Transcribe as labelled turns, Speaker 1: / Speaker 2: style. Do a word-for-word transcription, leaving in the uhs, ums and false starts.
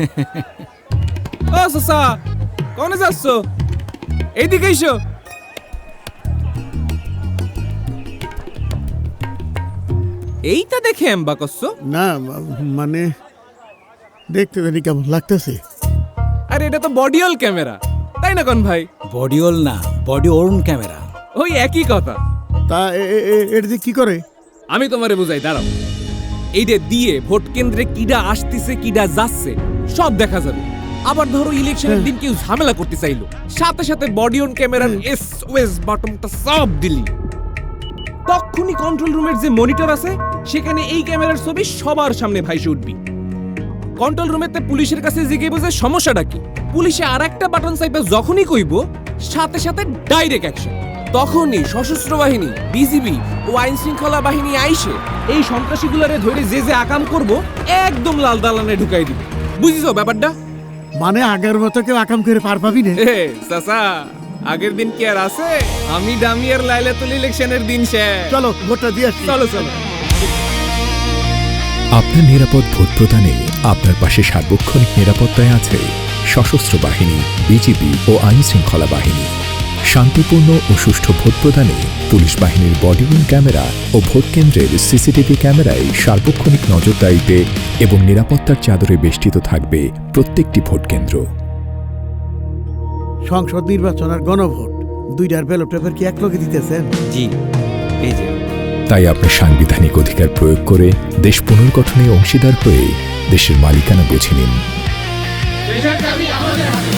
Speaker 1: ও চাচা, কোনে যাচ্ছ? এইদিকে এসো। এইটা দেখে এম্বা করছো?
Speaker 2: না মানে দেখতে জানি কেমন লাগতেছে।
Speaker 1: আরে এটা তো বডিওল ক্যামেরা, তাই না কোন ভাই?
Speaker 3: বডিওল না, বডি ওর্ন ক্যামেরা।
Speaker 1: ওই একই কথা।
Speaker 2: তা এটা দিয়ে কি করে?
Speaker 1: আমি তোমারে বুঝাই, দাঁড়াও। এইটা দিয়ে ভোট কেন্দ্রে কিডা আসতেছে কিডা যাচ্ছে সব দেখা যাবে। আবার ধরো ইলেকশনের দিন কেউ ঝামেলা করতে চাইলো, সাথে সাথে বডি অন ক্যামেরার এস ওএস বাটনটা সব দিলি, তখনই কন্ট্রোল রুমের যে মনিটর আছে সেখানে এই ক্যামেরার ছবি সবার সামনে ভাইসে উঠবি। কন্ট্রোল রুমেতে পুলিশের কাছে জিজ্ঞেস বুঝে সমস্যাটা কি, পুলিশে আর একটা বাটন চাইবে যখনই কইব সাথে সাথে ডাইরেক্ট অ্যাকশন। তখনই সশস্ত্র বাহিনী, বিজিবি ও আইন শৃঙ্খলা বাহিনী আইসে এই সন্ত্রাসীগুলারে ধরে যে যে আকাম করব একদম লাল দালানে ঢুকাই দিবে। বুঝিছো ব্যাপারটা?
Speaker 2: মানে আগের মতো কেউ আকাম করে পার পাবি না?
Speaker 1: এ চাচা, আগের দিন কি আর আছে? আমি ডামিয়ার লাইলাতুল ইলেকশনের দিন শেষ।
Speaker 2: চলো ভোটটা দিয়ে আসি।
Speaker 1: চলো চলো।
Speaker 4: আপনার নিরাপদ ভোট প্রদানে আপনার পাশে সার্বক্ষণিক নিরাপত্তায় আছে সশস্ত্র বাহিনী, বিজিবি ও আইন শৃঙ্খলা বাহিনী। শান্তিপূর্ণ ও সুষ্ঠু ভোট প্রদানে পুলিশ বাহিনীর বডিওন ক্যামেরা ও ভোট কেন্দ্রের সিসিটিভি ক্যামেরায় সার্বক্ষণিক নজরদারিতে এবং নিরাপত্তার চাদরে বেষ্টিত থাকবে প্রত্যেকটি ভোট কেন্দ্র।
Speaker 2: সংসদ নির্বাচন আর গণভোট দুইটার ব্যালট পেপার কি একলগে দিতেছেন?
Speaker 3: জি, এই যে।
Speaker 4: তাই আপনার সাংবিধানিক অধিকার প্রয়োগ করে দেশ পুনর্গঠনে অংশীদার হয়ে দেশের মালিকানা বুঝে নিন।